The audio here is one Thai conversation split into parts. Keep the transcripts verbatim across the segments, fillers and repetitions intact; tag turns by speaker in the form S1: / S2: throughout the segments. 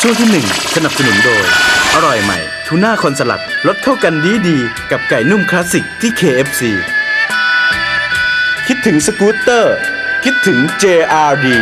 S1: ช่วงที่หนึ่งสนับสนุนโดยอร่อยใหม่ทูน่าคอนสลัดรสเข้ากันดีดีกับไก่นุ่มคลาสสิกที่ เค เอฟ ซี คิดถึงสกูตเตอร์คิดถึง เจ อาร์ ดี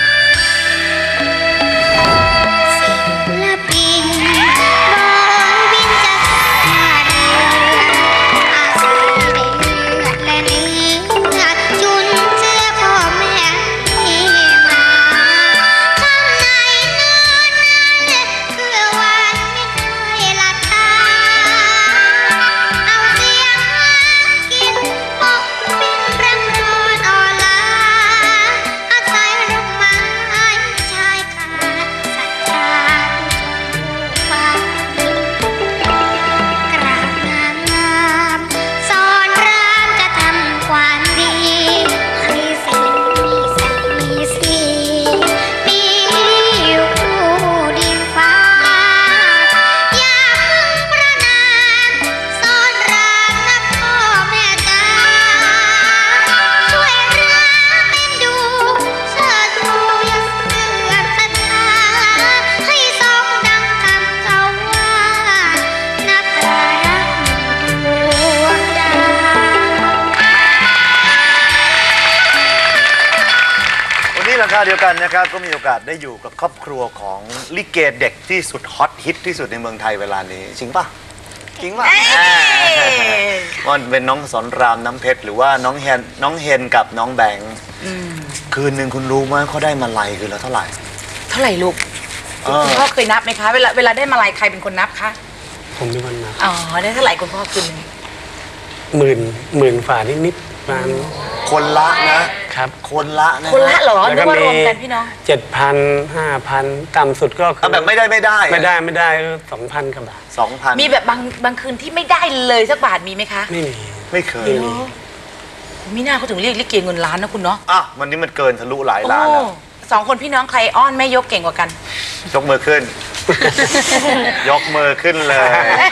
S2: เดียวกันนะครับก็มีโอกาสได้อยู่กับครอบครัวของลิเกเด็กที่สุดฮอตฮิตที่สุดในเมืองไทยเวลานี้จริงป่ะจริงป่ะมันเป็นน้องสอนรามน้ำเพชรหรือว่าน้องเฮนน้องเฮนกับน้องแบงค์คืนหนึ่งคุณรู้ไหมเขาได้มาลัยคือแล้วเท่าไหร่
S3: เท่าไหร่ลูกคุณพ่อเคยนับไหมคะเวลาเวลาได้มาลัยใครเป็นคนนับคะ
S4: ผมเป็นคนนับ
S3: อ๋อได้เท่าไหร่คุณพ่อคืนนึง
S4: หมื่นหมื่นฝ่านิดนิดประมาณ
S2: คนละนะครับคนละนะ
S3: คนละเหรอแล้วก็รวมกันพี่น้อง
S4: เจ็ดพันห้าพันต่ำสุดก็คือ
S2: แบบไม่ได้ไม่ได้
S4: ไม่ได้ไม่ได้สองพันกับบาท
S2: สองพัน
S3: มีแบบบางบางคืนที่ไม่ได้เลยสักบาทมีไหมคะ
S4: ไม่มี
S2: ไม่เคย
S4: ไม่มี
S3: มีหน้าเขาถึงเรียกลิเกเงินล้านนะคุณเนาะ
S2: อ่ะวันนี้มันเกินทะลุหลายล้านแล้ว
S3: สองคนพี่น้องใครอ้อนแม่ยกเก่งกว่ากัน
S2: ยกมือขึ้น ยกมือขึ้นเลย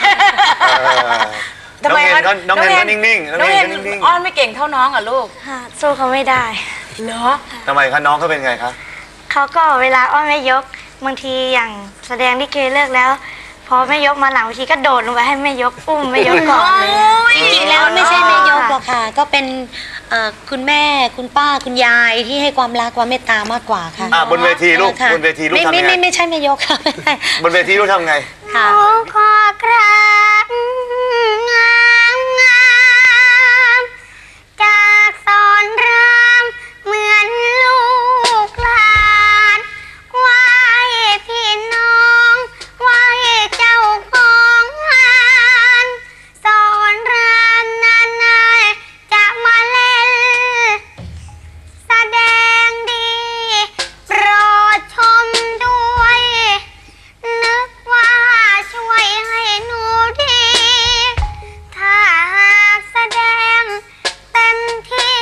S3: ทำไม
S2: น้องเฮนก็นิ่งๆ
S3: น้องเฮนอ้อนไม่เก่งเท่าน้องอ่ะลูก
S5: สู้เขาไม่ได้
S3: เหรอ
S2: ทำไมคะน้องเขาเป็นไงคะ
S5: เขาก็เวลาอ้อนแม่ยกบางทีอย่างแสดงลิเกเลิกแล้วพอแม่ยกมาหลังบางทีก็โดดลงไปให้แม่ยกอุ้มแม่ยกก่อนเลย
S6: จริงๆแล้วไม่ใช่แม่ยกหรอกค่ะก็เป็นคุณแม่คุณป้าคุณยายที่ให้ความรักความเมตตามากกว่าค่ะ
S2: บนเวทีลูกบนเวทีลูกทำไง
S6: ไม่ไม่ไม่ใช่แม่ยกค่ะ
S2: บนเวทีลูกทำไง
S5: ค่ะขอกราบงามงามจากสอนรามเหมือนลูกหลานไหว้พี่น้องไหว้เจ้าของงานสอนรามนานๆจะมาเล่นแสดงดีโปรดชมด้วยนึกว่าช่วยให้หนูดีถ้าหากแสดงเต็มที่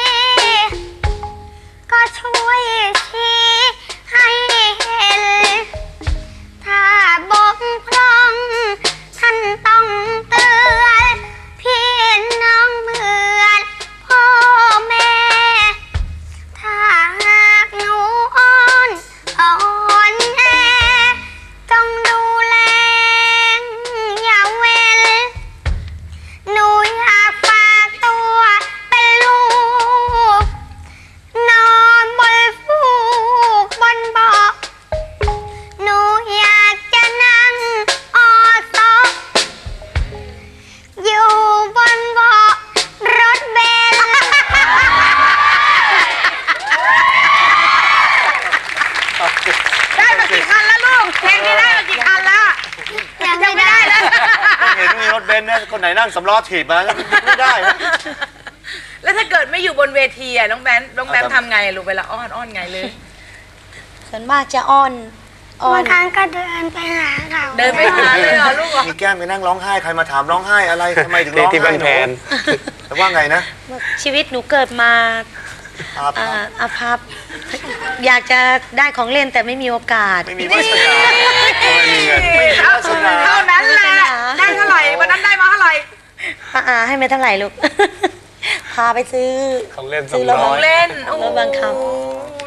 S5: ก็ช่วยชี้ให้เห็นถ้าบกพร่องท่านต้องเตือนพี่น้องเหมือนพ่อแม่ถ้าหากหนูอ่อนอ่อนแอต้องดูแลอย่าเว้นหนูอยากฝากตัวเป็นลูกนอนบนฟูกบนเบาะหนูอยากจะนั่งออซออยู่บนเบาะรถเบนซ์
S3: ได้มากี่คันแล้วลูกเพลงนี้ได้มากี่คันแล้ว
S5: ยังไม่ได้เลย
S2: เห็นมีรถเบนซ์นะคนไหนนั่งสำล้อถีบมาไม่ได้
S3: แล้วถ้าเกิดไม่อยู่บนเวทีอ่ะน้องแบนน้องแบนทำไงลูกเวลาอ้อนอ้อนไงเลย
S6: ส่วนมากจะอ้อนอ้อบ
S5: าน งครั้งก็เดินไปหาเขา
S3: เดินไปหาเลยเหรอลูก
S2: มีแก้มไปนั่งร้องไห้ใครมาถามร้องไห้อะไรทำไมถึงร้องไห้
S4: ที่บ้านแพน
S2: แต่ว่าไงนะ
S6: ชีวิตหนูเกิดมาอาภัพอยากจะได้ของเล่นแต่ไม่มีโอกาส
S2: ไม่มีวาสนาไม่มีเงินไม่มีวาสนา
S3: เท่านั้นแหละได้เท่าไหร่วันนั้นได้มาเท่าไหร่
S6: อ่าให้ไม่เท่าไหร่ลูกพาไปซื้อ
S4: ของเล่น
S6: ซื้อรถ
S3: ของเล่น
S6: รถบังคับ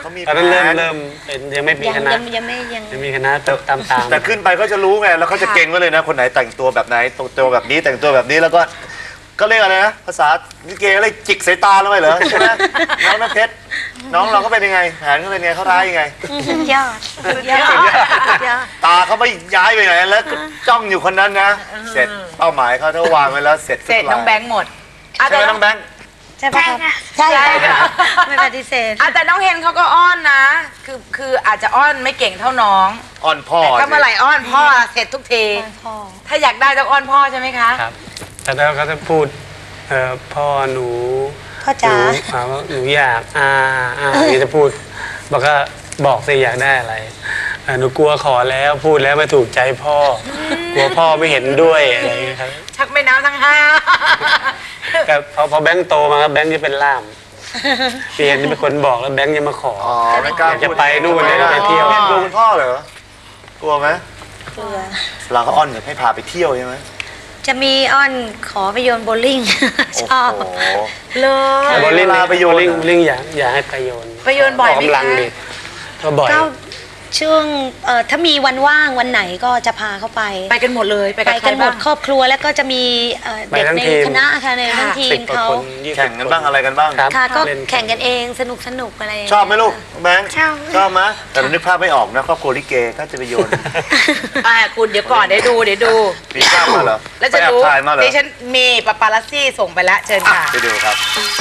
S2: เขามี
S4: ตอนนั้นเริ่ม
S2: แผน
S4: เริ่มเป็นยังไม่มี
S6: ยัง
S4: คณะ
S6: ยังยังไม่ยัง
S4: ยังมีคณะตามตาม
S2: แต่ขึ้นไปก็จะรู้ไงแล้วเขาจะเก่งไว้เลยนะคนไหนแต่งตัวแบบไหนแต่งตัวแบบนี้แต่งตัวแบบนี้แล้วก็ก็เรียกอะไรนะภาษาลิเกอะไรจิกสายตาเราไปเหรอใช่ไหมน้องน้ำเพชรน้องเราก็เป็นยังไงแผนเขาเป็นยังไงเขาท้ายยังไง
S6: สุดยอดสุดยอดสุดยอด
S2: ตาเขาไม่ย้ายไปไหนแล้วก็จ้องอยู่คนนั้นนะ เสร็จเป้าหมายเขาถ้าวางไว้แล้วเสร็จ
S3: เสร็จน้องแบงค์หมดอ่ะ
S2: ใช่
S3: แต่
S2: ไหม
S3: น้
S2: น้
S3: อ
S2: อง งแบงค์
S6: ใช่ปะคะใช่
S3: ใช่ค่ะ
S6: ไม่ปฏิเสธ
S3: อ่ะแต่น้องเฮนเขาก็อ้อนนะ คือคืออาจจะอ้อนไม่เก่งเท่าน้อง
S2: อ่อนพ่อ
S3: แต่ถ้าเมื่อไหร่อ้อนพ่อเสร็จทุกที
S6: พ่อ
S3: ถ้าอยากได้ต้องอ้อนพ่อใช่ไหมคะ
S4: ครับแต่แล้วก็จะพูดเอ่อพ่อหนู
S6: พ่อ
S4: ห
S6: จ๋า
S4: นูอ่าว่าหนูอยากอ่าอ่านี่จะพูดบอกก็บอกสิอยากได้อะไรอ่าหนูกลัวขอแล้วพูดแล้วไม่ถูกใจพ่อกลัวพ่อไม่เห็นด้วยอะไรอย่างเงี้ยครับ
S3: ชักแม่น้ำทั้งห้า
S4: แต่พอพอแบงค์โตมาครับแบงค์จะเป็นล่ามเปลี่ยนเป็นคนบอกแล้วแบงค์จะมาขอ
S2: อ๋อไม่กล้า
S4: อยากจะไปนู่นเลยไปเที่ยว
S2: เล่นกลัวคุณพ่อเหรอ กลัวไหม
S6: เบื่อ
S2: เราก็อ้อนอยากให้พาไปเที่ยวใช่ไหม
S6: จะมีอ้อนขอไปโยนโบว์ลิ่ง ชอบ
S2: โอ้โห
S3: เลย
S4: บอลลิง
S2: เวลาไปโยน
S4: บอลลิง
S2: อะ
S4: บอลลิงอยากอยากให้ไปโยน
S3: ไปโยนบ่อยไหม
S4: กกำลัง
S3: คะ
S4: ดิก็บ่อย
S6: ก็ช่วงเอ่อถ้ามีวันว่างวันไหนก็จะพาเขาไป
S3: ไปกันหมดเลยไป
S6: ไป
S3: กับใคร
S6: กันหม
S3: บ้า
S6: ด
S3: ง
S6: ครอบครัวแล้วก็จะมีเอ่อ
S4: ไป
S6: เด็ก
S4: ทั้ง
S6: ใน
S4: ทีม
S6: คณะค่ะในทั้งที
S4: สิ
S6: ม
S4: บกว่า
S6: เขา
S4: คนยี่สิบ
S2: แข่งกันบ้างอะไรกันบ้าง
S4: ครับ
S6: ค่ะก็
S4: เล่น
S6: แข่งกันเองสนุกสนุกอะไรอย่าง
S2: ช
S6: เงี้ย
S2: อบไหมลูกแบงค์
S5: ชอบ
S2: ชอบไหมแต่เรานึกภาพไม่ออกนะครอบครัวลิเกถ้าจะไปโยน
S3: อ่าคุณเดี๋ยวก่อนเดี๋ยวดูเดี๋ยวดู
S2: มีภาพมาเหรอ
S3: แล้วจะ
S2: ไปแอบ
S3: รู้
S2: ถ่ายมาเหรอ
S3: ดิฉันมีปาปาลัสซี่ส่งไปแล้วเชิญค่ะ
S2: ไปดูครับ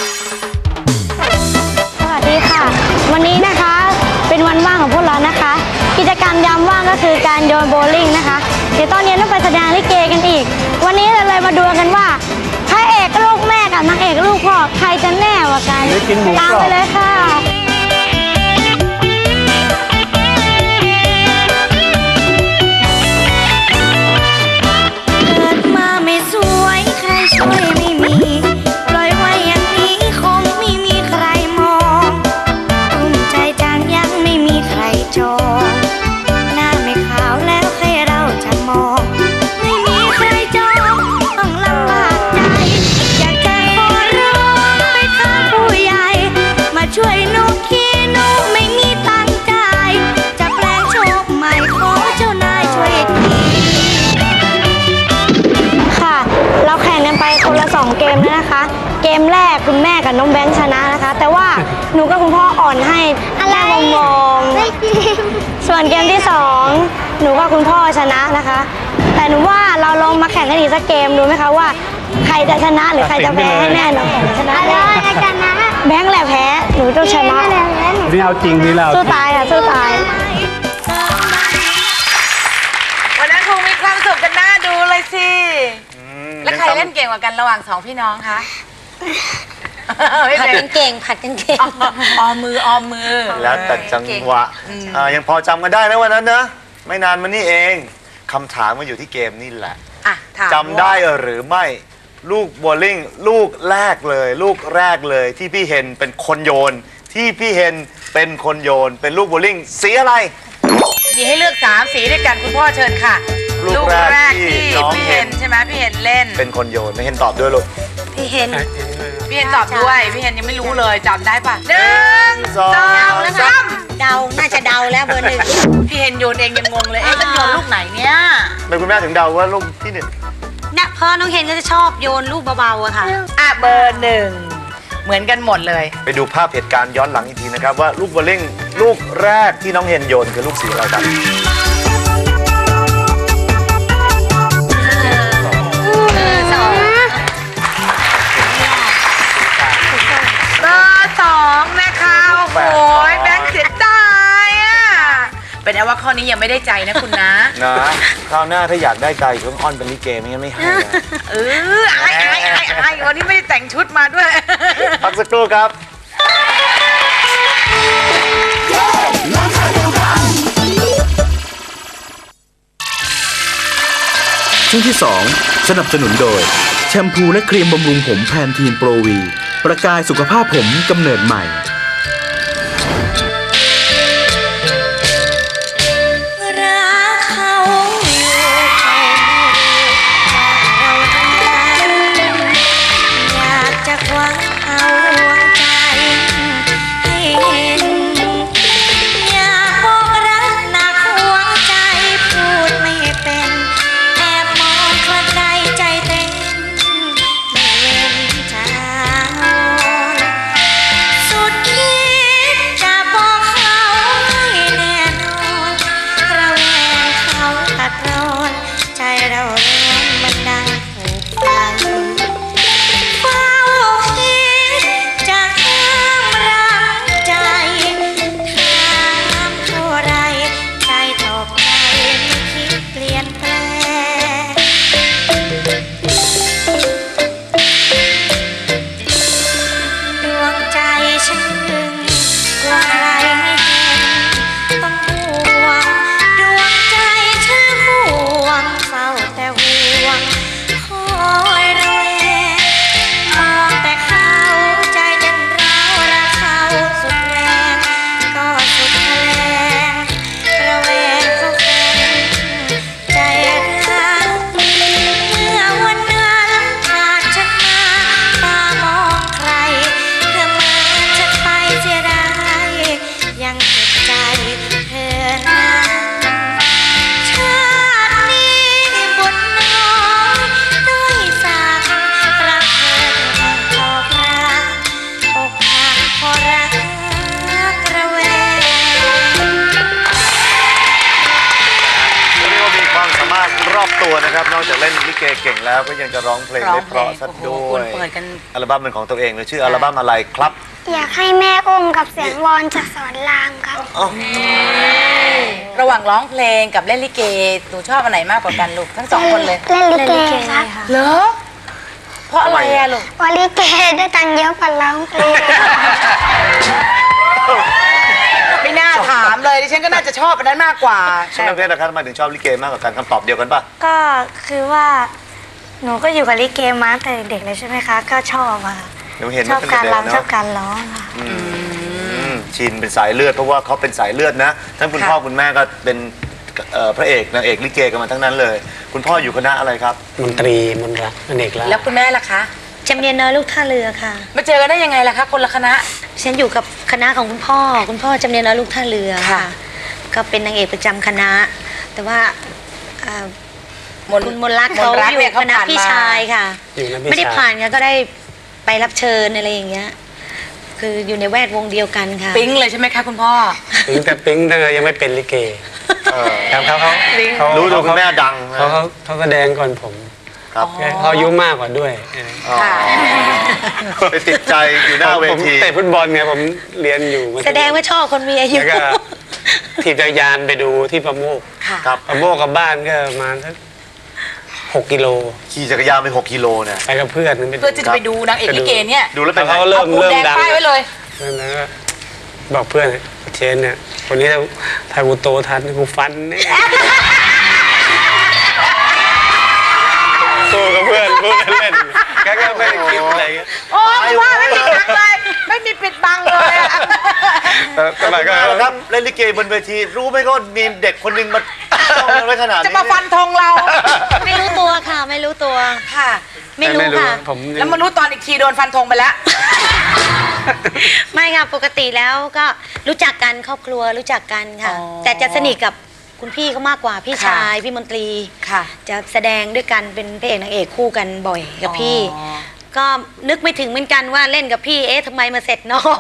S5: สวัสดีค่ะ วันนี้นะคะเป็นวันว่างของพวกเรานะคะ กิจกรรมยามว่างก็คือการโยนโบว์ลิ่งนะคะเดี๋ยวตอนเย็นต้องไปแสดงลิเกกันอีก วันนี้เราเลยมาดูกันว่าพระเอกลูกแม่กับนางเอกลูกพ่อใครจะแน่กว่ากันตามไปเลยค่ะ
S6: เกิดมาไม่สวยใครช่วยไม่มีปล่อยไว้อย่างนี้คงไม่มีใครมองอุ่นใจจังยังไม่มีใครจองหน้าไม่ขาวแล้วใครเราจะมอง ไม่มีใครจองต้องลำบากใจ อยากจะขอร้องไปทางผู้ใหญ่ มาช่วยหนูทีหนูไม่มีตังค์จ่ายจะแปลงโฉมใหม่ขอเจ้านายช่วยที
S5: ค่ะ เราแข่งกันไปคนละสองเกมแล้วนะคะ เกมแรกคุณแม่กับน้องแบงค์ชนะนะคะ แต่ว่าหนูกับคุณพ่ออ่อนให้แม่มองๆส่วนเกมที่สองหนูกับคุณพ่อชนะนะคะ แต่หนูว่าเราลองมาแข่งกันอีกสักเกมดูไหมคะว่า ใครจะชนะหรือใครจะแพ้ให้แน่นอนชนะแน่แบงค์แหละแพ้หนูต้องชนะ
S4: นี่เอาจริงนี่เรา
S5: สู้ตายค่ะสู้ตาย
S3: วันนั้นคงมีความสุขกันน่าดูเลยสิ
S2: อืม
S3: แล้วใครเล่นเก่งกว่ากันระหว่างสองพี่น้องคะ ไม่
S6: ผัด
S3: เป็
S6: กัน นเก่งผัดกันเก่ง
S3: ออมมือออมมือ
S2: แล้วแต่จังหวะอ่ายังพอจำกันได้นะวันนั้นนะไม่นานมานี่เองคำถามมาอยู่ที่เกมนี่แหละ
S3: อ่ะถาม
S2: จำได้หรือไม่ลูกโบว์ลิ่งลูกแรกเลย ลูกแรกเลยที่พี่เฮนเป็นคนโยน ที่พี่เฮนเป็นคนโยน เป็นลูกโบว์ลิ่งสีอะไร
S3: มีให้เลือกสามสีด้วยกันคุณพ่อเชิญค่ะ
S2: ลูกแรกที่น้อง
S3: พี่
S2: เฮ
S3: เฮ
S2: น
S3: นใช่ไหมพี่เฮนเล่น
S2: เป็นคนโยนไม่เห็นตอบด้วยลูก
S6: พี่เห็น
S3: พี่เฮนตอบด้วยพี่เฮนยังไม่รู้เลยจำได้ปะหนึ่ง
S2: สอง
S3: สองสาม
S6: เดาน่าจะเดาแล้วเบอร์หนึ่ง
S3: พี่เฮนโยนเองยังงงเลยเอ๊ะจะโยนลูกไหนเนี่ย
S2: เป็นคุณแม่ถึงเดาว่าลูกที่หนึ่ง
S6: เนี่ยพ่อน้องเฮนก็จะชอบโยนลูกเบาๆอะค่ะ
S3: อ่ะเบอร์หนึ่งเหมือนกันหมดเลย
S2: ไปดูภาพเหตุการณ์ย้อนหลังอีกทีนะครับว่าลูกโบว์ลิ่งลูกแรกที่น้องเฮนโยนคือลูกสีอะไรครับ
S3: เบอร์สองนะคะโอ้โหแบงค์เสียดายอ่ะเป็นเอาว่าข้อนี้ยังไม่ได้ใจนะคุณนะ
S2: นะคราวหน้าถ้าอยากได้ไก่ต้องอ้อนเป็นลิเกไม่งั้นไม่ให้นะ
S3: เออไอ้ไอ้ไอ้ไอ้วันนี้ไม่ได้แต่งชุดมาด้วย
S2: พักสักครู่ครับ
S1: ช่วงที่สองสนับสนุนโดย แชมพูและครีมบำรุงผมแพนทีนโปรวี ประกายสุขภาพผมกำเนิดใหม่
S6: รักเขาอยู่เขาเราทั้งนั้นอยากจะคว้าเอาหัวใจให้เห็น
S2: รอบตัวนะครับ นอกจากเล่นลิเกเก่งแล้วก็ยังจะร้องเพลง
S3: ร้อ
S2: ได้
S3: ง
S2: เพ
S3: เพล
S2: ราะ
S3: ง
S2: ซะ
S3: โอ้โห
S2: ด้
S3: คุ
S2: ว
S3: ณ
S2: ย
S3: เปิดกัน
S2: อัลบั้มเป็นของตัวเองเลยชื่ออัลบั้มอะไรครับ
S5: อยากให้แม่อุ้มกับเสียงวอนจากสอนรามครับ
S2: อ๋อ
S3: ระหว่างร้องเพลงกับเล่นลิเกหนูชอบอันไหนมากกว่ากันลูกทั้งสองคนเลย
S5: เล่นลิเกครับ
S3: เหรอเพราะอะไรอะลูก
S5: วอลิเกได้ตังค์เยอะกว่าร้องเพลง
S3: ไม่น่าถามเลยดิฉันก็น่าจะชอบอันนั้นมากกว่า
S2: ชนกเพชรนะครับทำไมถึงชอบลิเกมากกว่ากันคำตอบเดียวกันป่ะ
S6: ก็คือว่าหนูก็อยู่กับลิเกมาตั้งแต่เด็กเลยใช่ไหมคะ ก็ชอบอะค่ะ
S2: เดี๋ยวเห็น
S6: ชอบ
S2: ตั้ง
S6: กา
S2: แต่
S6: ร
S2: เด็ก
S6: รำชอบ
S2: เนาะ
S6: การร้องค่ะ
S2: อืมชินเป็นสายเลือดเพราะว่าเขาเป็นสายเลือดนะทั้งคุณ
S3: ค่ะ
S2: พ่อคุณแม่ก็เป็นเอ่อพระเอกนางเอกลิเกกันมาทั้งนั้นเลย คุณพ่ออยู่คณะอะไรครับ
S4: มนตรีมนรักอเนกลาภ
S3: แล้วคุณแม่ล่ะคะ
S6: จำเนียนน้อยลูกท่าเรือค่ะ
S3: มาเจอกันได้ยังไงล่ะคะคนละคณะ
S6: ฉันอยู่กับคณะของคุณพ่อ คุณพ่อจำเนียนน้อยลูกท่าเรือ
S3: ค่ะ
S6: ค่ะ ก็เป็นนางเอกประจำคณะ แต่ว่าเอ่อ
S3: มน
S6: คุณมนรัก
S3: ม
S6: เขา
S3: นรัก
S6: อยู่
S3: เนี่ยเขา
S6: คณะ
S3: ผ่าน
S6: พี่
S3: มา
S6: ชายค่ะ
S4: อยู่นะพี่
S6: ไม่ได้
S4: ชาย
S6: ผ่านค่ะก็ได้ไปรับเชิญอะไรอย่างเงี้ย คืออยู่ในแวดวงเดียวกันค่ะ
S3: ปิ๊งเลยใช่ไหมคะคุณพ่อ
S4: ปิ๊งแต่ปิ๊งเธอยังไม่เป็นลิเก
S2: เออ
S4: ครับเขาเขาเขา
S2: รู้ดูคุณแม่ดังนะ
S4: เขาเขาเขาแสดงก่อนผม
S2: ครับ
S4: เขาอายุมากกว่าด้วย
S2: อ๋อ
S3: ค่ะ
S2: ไปติดใจอยู่หน้าเว
S4: ผม
S2: ที
S4: เตะฟุตบอลไงผมเรียนอยู่มัธยม
S6: แสดงว่าชอบคนมีอายุ
S4: แล้วก็ถีบจักรยานไปดูที่ประโมก
S3: ค่ะ
S2: ครับ
S4: ประโมกกับบ้านก็ประมาณสักหกกิโล
S2: ขี่จักรยานไปหกกิโลเนี่ย
S4: ไปกับเพื่อนไปดู
S3: เพื่อที่จะไปดูนางเอกลิเกเนี่ย
S2: ดูแล้วเป็นไง
S4: เขาเริ่
S3: เอา
S4: ม
S3: ปู
S4: เริ่ม
S3: แดง
S4: ดัง
S3: ป้ายไว้เลย
S4: แล้วก็บอกเพื่อนเชนเนี่ยคนนี้ถ้าถ้ากูโตทันกูฟันแน่สู้กับเพื่อนพูดเล่นๆก็ไม่ได้คิดอะไรเงี้ย
S3: โอ้ยว่าไม่มีบังเลย ไม่มีปิดบังเลยอะ
S4: แต่สมัยก็
S2: แล้วครับเล่นลิเกบนเวทีรู้ไหมก็มีเด็กคนหนึงมาจ้องเราไว้ขนาดนี้
S3: จะมาฟันธงเรา
S6: ไม่รู้ตัวค่ะ ไม่รู้ตัว
S3: ค่ะ
S6: ไม่รู้ค่ะ
S4: ผมยัง
S3: แล้วมารู้ตอนอีกทีโดนฟันธงไปแล้ว
S6: ไม่ค่ะปกติแล้วก็รู้จักกันครอบครัวรู้จักกันค่ะ
S3: อ๋อ
S6: แต่จะสนิทกับคุณพี่เขามากกว่าพี่
S3: ค่ะ
S6: ชายพี่มนตรี
S3: ค่ะ
S6: จะแสดงด้วยกันเป็นพระเอกนางเอกคู่กันบ่อยกับพี่
S3: อ๋อ
S6: ก็นึกไม่ถึงเหมือนกันว่าเล่นกับพี่เอ๊ะทำไมมาเสร็จน้อง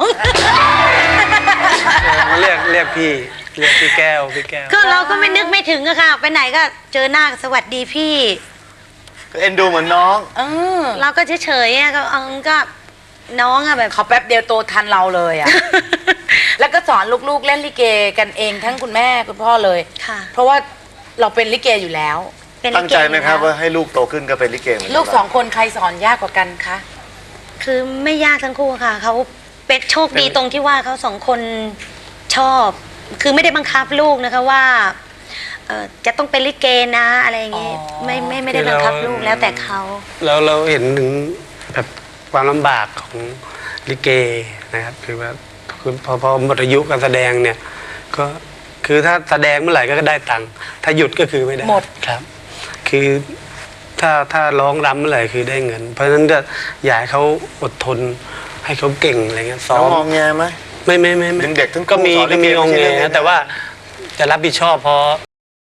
S4: เรียกเรียกพี่เรียกพี่แก้วพี่แก้ว
S6: ก็เราก็ไม่นึกไม่ถึงอะค่ะ ไปไหนก็เจอหน้าสวัสดีพี่
S2: ก็เอ็นดูเหมือนน้อง
S3: เออ
S6: เราก็เฉยๆอะก็เออก็น้องอะแบบ
S3: เขาแป๊บเดียวโตทันเราเลยอ่ะ แล้วก็สอนลูกๆเล่นลิเกกันเองทั้งคุณแม่คุณพ่อเลย
S6: ค่ะ
S3: เพราะว่าเราเป็นลิเกอยู่แล้ว
S6: เป็นลิเก
S2: ตั้งใจไหมครับ
S6: อยู่แล้ว
S2: ว่าให้ลูกโตขึ้นก็เป็นลิเกเหมือนน
S3: ลูกสองคนใครสอนยากกว่ากันคะ
S6: คือไม่ยากทั้งคู่ค่ะเขาเป็นโชคดี
S4: เป็น
S6: ตรงที่ว่าเขาสองคนชอบ คือไม่ได้บังคับลูกนะคะว่าเอ่อจะต้องเป็นลิเกนะอะไรอย่างงี้
S3: อ๋อ
S6: ไม่ไม่ไม่ได้บังคับลูกแล้วแต่เขา
S4: แล้วเราเห็นถึงแบบความลำบากของลิเกนะครับคือว่าคือพอพอหมดอายุการแสดงเนี่ย ก็คือถ้าแสดงเมื่อไหร่ก็ได้ตังค์ถ้าหยุดก็คือไม่ได้
S3: หมด
S4: ครับ คือถ้าถ้าร้องรำเมื่อไหร่คือได้เงิน เพราะฉะนั้นก็อยากให้เขาอดทนให้เขาเก่งอะไรเงี้ยซ้
S2: น้
S4: อ
S2: อง
S4: ม
S2: มองแงไหม
S4: ไม่ไม่ไม่ไม่
S2: ยังเด็กทั้งคู่
S4: ก็มี
S2: สอนลิ
S4: ก็
S2: เก
S4: มี
S2: ไม่
S4: อง
S2: ใช่
S4: ค์
S2: เรื่อง
S4: เง
S2: ง่ายๆ
S4: แต่ว่าจะรับผิดชอบพอ